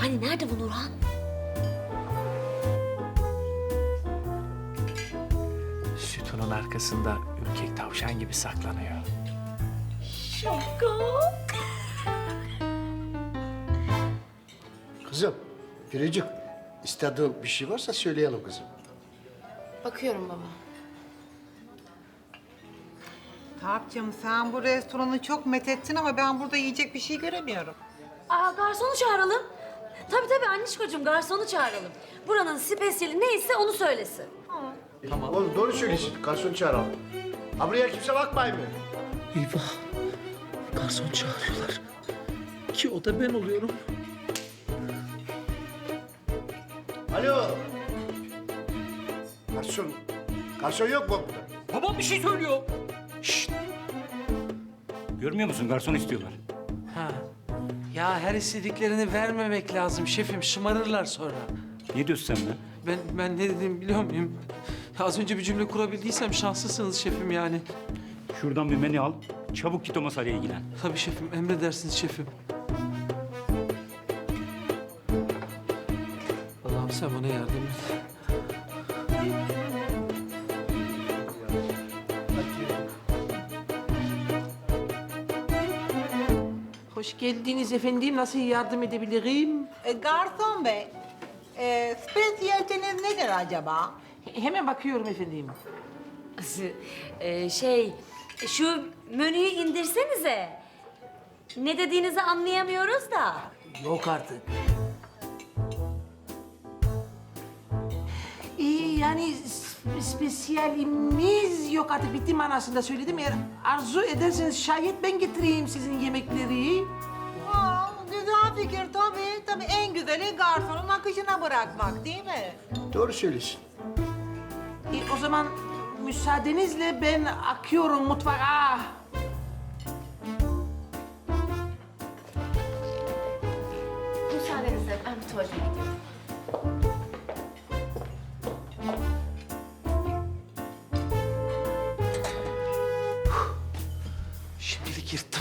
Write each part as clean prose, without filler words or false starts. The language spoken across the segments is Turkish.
Hani nerede bu Nurhan? Sütunun arkasında ürkek tavşan gibi saklanıyor. Şaka. Kızım, Firicik, istediğin bir şey varsa söyleyelim kızım. Bakıyorum baba. Tarık'cığım sen bu restoranı çok methettin ama ben burada yiyecek bir şey göremiyorum. Aa, garsonu çağıralım. Tabii annişkocuğum, garsonu çağıralım. Buranın spesiyeli neyse onu söylesin. Oğlum doğru söylüyorsun, garsonu çağıralım. Ha buraya kimse bakmayın mı? Eyvah. Garson çağırıyorlar. Ki o da ben oluyorum. Alo. Garson. Garson yok mu burada? Babam bir şey söylüyor. Şşt. Görmüyor musun? Garson istiyorlar. Ha. Ya her istediklerini vermemek lazım şefim. Şımarırlar sonra. Ne diyorsun sen be? Ben ne dediğimi biliyor muyum? Az önce bir cümle kurabildiysem şanslısınız şefim yani. Şuradan bir menü al. Çabuk git o masayla ilgilen. Tabii şefim, emredersiniz şefim. Allah'ım sen bana yardım et. Hoş geldiniz efendim. Nasıl yardım edebilirim? Garson bey, spesiyaliteniz nedir acaba? Hemen bakıyorum efendim. Şu menüyü indirsenize. Ne dediğinizi anlayamıyoruz da. Yok artık. Yani spesiyalimiz yok artık. Bitti manasında söyledim. Eğer arzu ederseniz şayet ben getireyim sizin yemekleri. Aa, güzel fikir tabii. Tabii en güzeli garsonun akışına bırakmak değil mi? Doğru söylüyorsun. O zaman müsaadenizle ben akıyorum mutfağa. Müsaadenizle ben bir tuvalete gidiyorum. Şimdilik yırttım.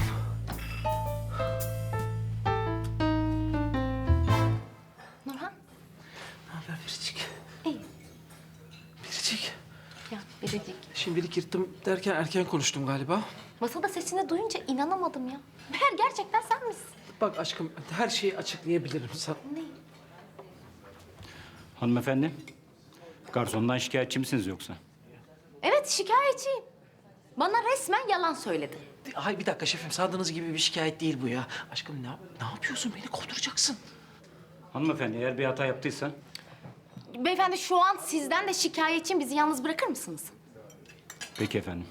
Nurhan. Ne haber Biricik? İyi. Biricik. Ya Biricik. Şimdilik yırttım derken erken konuştum galiba. Masada sesini duyunca inanamadım ya. Meğer gerçekten sen misin? Bak aşkım her şeyi açıklayabilirim sana. Ne? Hanımefendi, garsondan şikayetçi misiniz yoksa? Evet şikayetçiyim. Bana resmen yalan söyledi. Ay bir dakika şefim sandığınız gibi bir şikayet değil bu ya. Aşkım ne yapıyorsun? Beni kovduracaksın. Hanımefendi, eğer bir hata yaptıysa Beyefendi şu an sizden de şikayetçiyim. Bizi yalnız bırakır mısınız? peki efendim.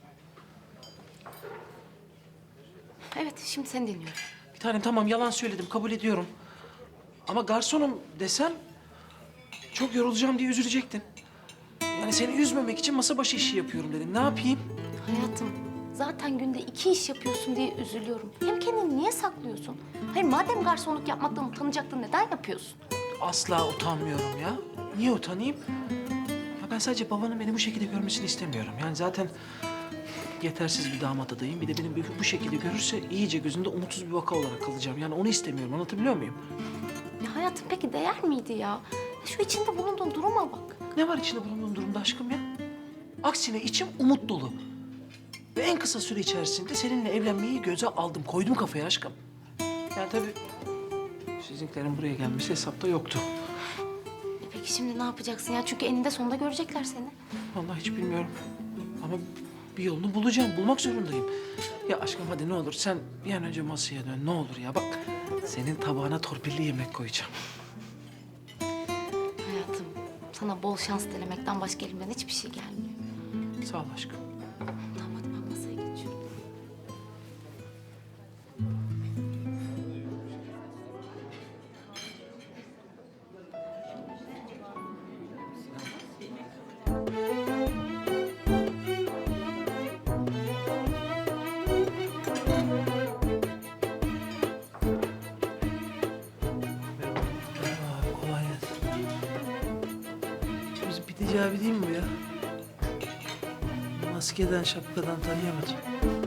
Evet şimdi seni dinliyorum. Bir tanem tamam yalan söyledim kabul ediyorum. Ama garsonum desem çok yorulacağım diye üzülecektin. Yani seni üzmemek için masa başı işi yapıyorum dedim. Ne yapayım? Hayatım zaten günde 2 iş yapıyorsun diye üzülüyorum. Hem kendini niye saklıyorsun? Hayır madem garsonluk yapmaktan utanacaktın neden yapıyorsun? Asla utanmıyorum ya. Niye utanayım? Ya ben sadece babanın beni bu şekilde görmesini istemiyorum. Yani zaten yetersiz bir damat adayım. Bir de beni bu şekilde görürse iyice gözünde umutsuz bir vaka olarak kalacağım. Yani onu istemiyorum. Anlatabiliyor muyum? Ya hayatım peki değer miydi ya? Şu içinde bulunduğun duruma bak. Ne var içinde bulunduğum durumda aşkım ya? Aksine içim umut dolu. Ve en kısa süre içerisinde seninle evlenmeyi göze aldım. Koydum kafaya aşkım. Yani tabii sizinkilerin buraya gelmesi hesapta yoktu. Peki şimdi ne yapacaksın ya? Çünkü eninde sonunda görecekler seni. Vallahi hiç bilmiyorum. Ama bir yolunu bulacağım. Bulmak zorundayım. Ya aşkım hadi ne olur sen bir an önce masaya dön. Ne olur ya bak. Senin tabağına torpilli yemek koyacağım. Hayatım sana bol şans dilemekten başka elimden hiçbir şey gelmiyor. Sağ ol aşkım. Tamam hadi ben masaya geçiyorum. Merhaba, kolay gelsin. Bizim Pideci abi değil mi bu ya? Maskeden, şapkadan tanıyamadım.